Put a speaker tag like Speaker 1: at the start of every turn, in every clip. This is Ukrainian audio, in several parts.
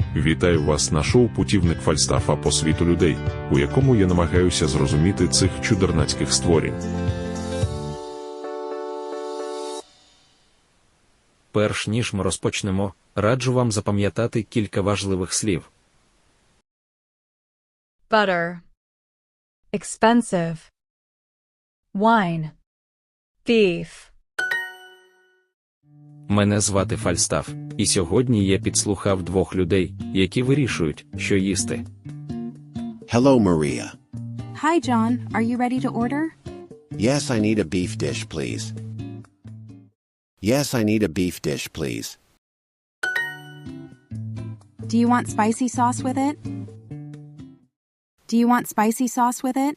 Speaker 1: Вітаю вас на шоу «Путівник Фальстафа по світу людей», у якому я намагаюся зрозуміти цих чудернацьких створінь.
Speaker 2: Перш ніж ми розпочнемо, раджу вам запам'ятати кілька важливих слів.
Speaker 3: Butter. Expensive. Wine. Beef.
Speaker 2: Мене звати Фальстаф, і сьогодні я підслухав двох людей, які вирішують, що їсти.
Speaker 4: Hello, Maria.
Speaker 5: Hi, John. Are you ready to order?
Speaker 4: Yes, I need a beef dish, please. Yes, I need a beef dish, please.
Speaker 5: Do you want spicy sauce with it? Do you want spicy sauce with it?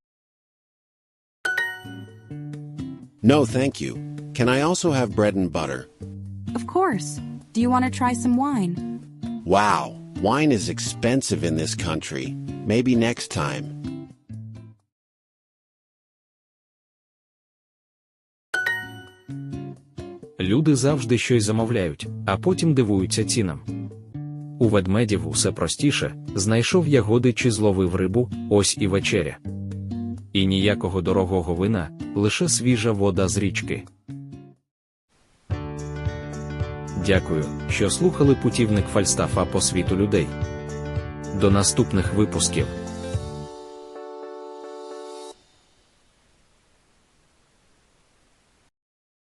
Speaker 4: No, thank you. Can I also have bread and butter?
Speaker 5: Of course. Do you want to try some wine?
Speaker 4: Wow, wine is expensive in this country. Maybe next time.
Speaker 2: Люди завжди щось замовляють, а потім дивуються цінам. У ведмедів усе простіше: знайшов ягоди чи зловив рибу, ось і вечеря. І ніякого дорогого вина, лише свіжа вода з річки. Дякую, що слухали «Путівник Фальстафа по світу людей». До наступних випусків.